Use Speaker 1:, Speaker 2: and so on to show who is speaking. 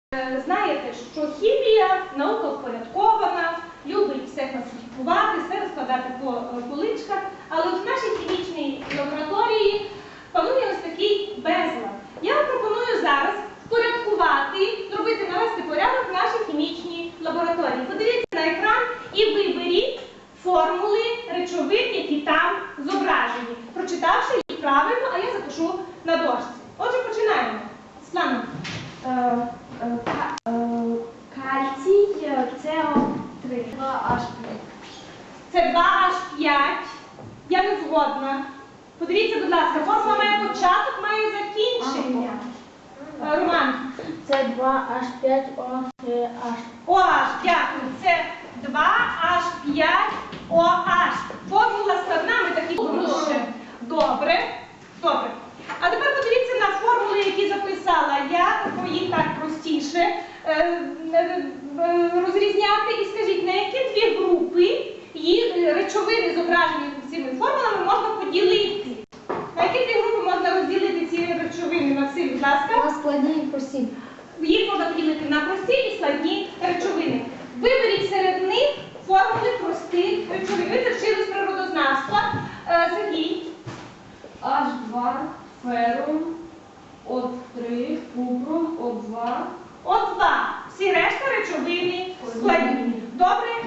Speaker 1: Знаєте, що хімія – наука впорядкована, любить все класифікувати, все розкладати по поличках, але в нашій хімічній лабораторії панує ось такий безлад. Я вам пропоную зараз впорядкувати, навести порядок в нашій хімічній лабораторії. Подивіться на екран і виберіть формули речовин, які там зображені, прочитавши їх правильно, а я запишу на дошці. Отже, починаємо. Світлана.
Speaker 2: Кальцій СО3. 2H5.
Speaker 1: Це 2H5. Я не згодна. Подивіться, будь ласка, формула має початок, має закінчення. Роман.
Speaker 2: Це 2H5OH.
Speaker 1: OH, дякую. Це 2H5OH. Формула складна, ми такі дуже. Добре. Добре. А тепер подивіться на формули, які записала я, їх так простіше розрізняти. І скажіть, на які дві групи речовини, зображені цими формулами, можна поділити? На які дві групи можна розділити ці речовини? Максим, будь ласка.
Speaker 2: На складні і прості.
Speaker 1: Їх можна поділити на прості і складні речовини. Виберіть серед них формули простих речовин. Ви це вчили з природознавства. Сергій.
Speaker 3: H2, ферум, О3, купрум, О2.
Speaker 1: О2. Всі решта речовини складні. Добре?